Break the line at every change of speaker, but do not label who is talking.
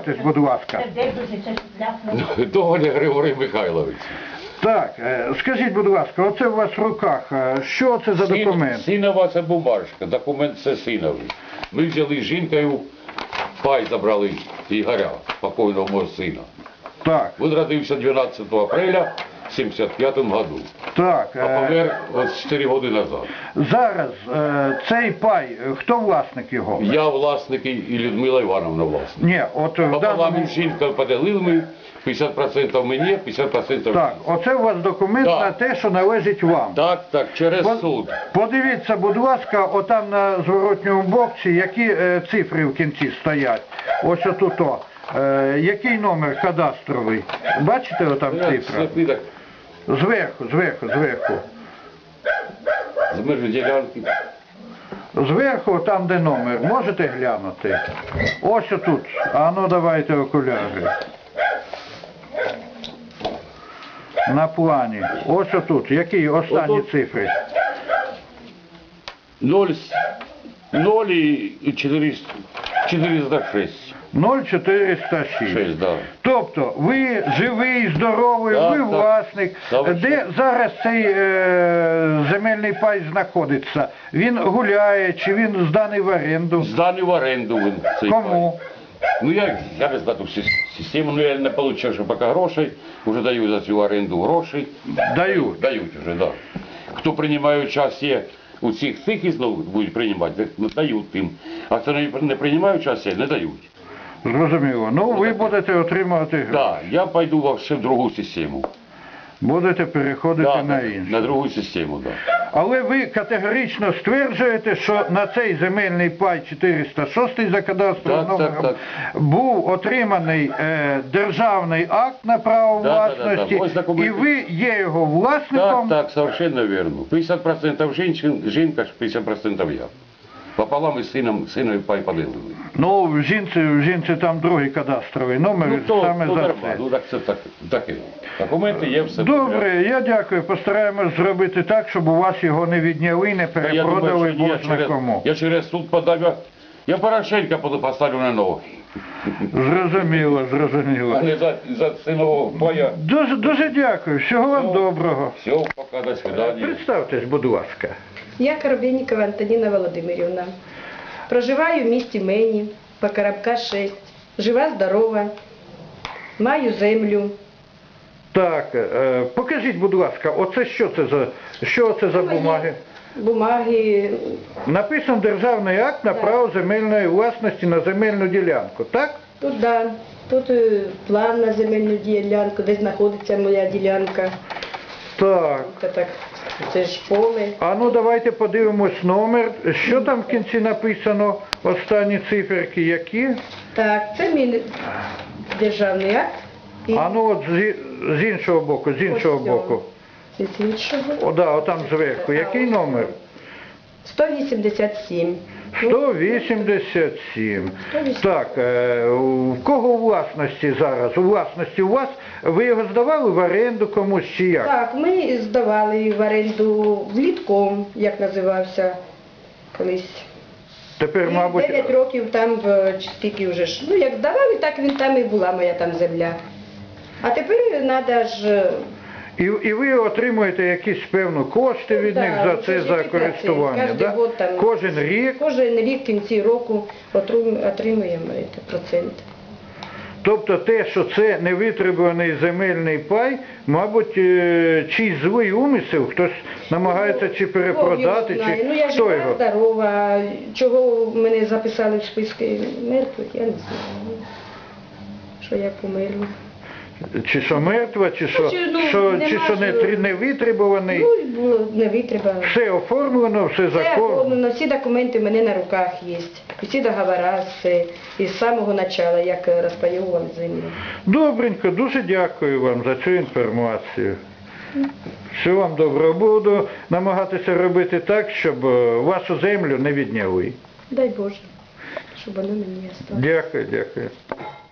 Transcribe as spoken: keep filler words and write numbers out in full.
Представтесь, будь ласка.
Доганя Григорій Михайлович.
Так, е, скажіть, будь ласка, оце у вас в руках, е, що це за
Син-
документ?
Синова це бумажка, документ це синовий. Ми взяли з жінкою, пай забрали Ігоря, покойного мого сина.
Так,
Він родився дванадцятого апреля в сімдесят п'ятому году,
так.
а
е,
помер ось чотири роки назад.
Зараз е, цей пай, е, хто власник його?
Я власник і Людмила Івановна власник.
Ні, от в
Пополам
даному...
із жінкою поділили ми, п'ятдесят відсотків мені, п'ятдесят відсотків
Так, оце у вас документ
Так.
на те, що належить вам.
Так, так, через
По-
суд.
Подивіться, будь ласка, отам на зворотньому боці, які е, цифри в кінці стоять. Ось отут. О. Е, який номер кадастровий? Бачите отам
Я
цифра?
сліпий так,
Зверху, зверху, зверху.
з межі ділянки.
Зверху, там де номер, можете глянути? Ось отут. А ну давайте окуляри. На плані. Ось отут. Які останні
Отут.
цифри?
ноль, ноль і чотириста, чотириста шість.
нуль чотириста шість.
шість, да.
Тобто ви живий, здоровий,
Так,
ви
так.
власник.
Так.
Де зараз цей е, земельний пай знаходиться? Він гуляє чи він зданий в оренду?
Зданий в оренду він цей
Кому?
пай. Ну я, я не знаю ту сис- систему, ну я не отримав ще поки грошей, вже дають за цю оренду гроші.
Дають.
Дають вже, да. Хто приймає участь у цих цих і знову будуть приймати, ну, дають їм. А хто не, не приймає участь, не дають.
Зрозуміло. Ну ви
так.
будете отримувати гроші.
Да, я пойду вообще в другу систему.
Будете переходити
Да,
на
на,
іншу.
на другу систему, да.
Але ви категорично стверджуєте, що на цей земельний пай чотириста шість за кадастровим
Так, так,
номером був отриманий е, державний акт на право
Да, да, да, да.
власності,
Ось документи.
і ви є його
Так,
власником.
так, совершенно верно. п'ятдесят відсотків жінчин, жінка, п'ятдесят відсотків я. Пополам із сином, синові пай поділили.
Ну, в жінці, в жінці там другий кадастровий номер,
Ну, то,
саме
ну,
за
нормально,
це.
ну так це так, таке. Документи є, все.
Добре, я дякую. Постараємось зробити так, щоб у вас його не відняли, не
Та я
перепродали,
думаю, що ні, я
бозна
через,
кому.
я через суд подав, я, я Порошенка буду поставлю на ноги.
Зрозуміло, зрозуміло.
А не за, за синового пая.
Дуже, дуже дякую. Всього вам
Все.
доброго.
Все, пока, до свидания.
Представтесь, будь ласка.
Я Коробейникова Антоніна Володимирівна. Проживаю в місті Мені, Покоробка шість. Жива, здорова, маю землю.
Так, е, покажіть, будь ласка, оце що це за, що це за
Мої
бумаги?
Бумаги.
Написан державний акт на
Так.
право земельної власності на земельну ділянку, так?
Тут, да, тут е, план на земельну ділянку, де знаходиться моя ділянка.
Так.
Це так, це ж поле.
А ну давайте подивимось номер. Що там в кінці написано? Останні циферки які?
Так, це мій державний акт. І
А ну от з, з іншого боку, з іншого
ось
боку.
цього. З іншого.
О, да, отам зверху. Який номер?
сто вісімдесят сім.
сто вісімдесят сім. Так, е, в кого у власності зараз? У власності у вас? Ви його здавали в оренду комусь чи як?
Так, ми здавали в оренду влітком, як називався колись.
Тепер,
І
мабуть,
дев'ять років там, в- чи скільки вже ж. Ну, як здавали, так він там і була моя там земля. А тепер треба ж...
і, і ви отримуєте якісь певну кошти від
Да,
них за це,
вже
за
ж
користування,
кожен
да?
год там-
Кожен рік?
Кожен рік в кінці року отру- отримуємо це, процент.
Тобто те, що це невитребуваний земельний пай, мабуть, е, чийсь злий умисел, хтось намагається чи перепродати,
Бог його знає.
чи
Ну, я
хто
жива,
його?
здорова. Чого мене записали в списки мертвих, я не знаю. Що я померла.
Чи що мертва, чи що,
чи, ну,
що,
нема
чи що не,
ж-
три- не витребуваний.
Ну, і було не витримала.
Все оформлено, все
Все
законно.
оформлено, всі документи в мене на руках є. І всі договори, все. І з самого початку, як розпаювали землю.
Добренько, дуже дякую вам за цю інформацію. Всього вам доброго. Буду намагатися робити так, щоб е, вашу землю не відняли.
Дай Боже, щоб воно мені осталось.
Дякую, дякую.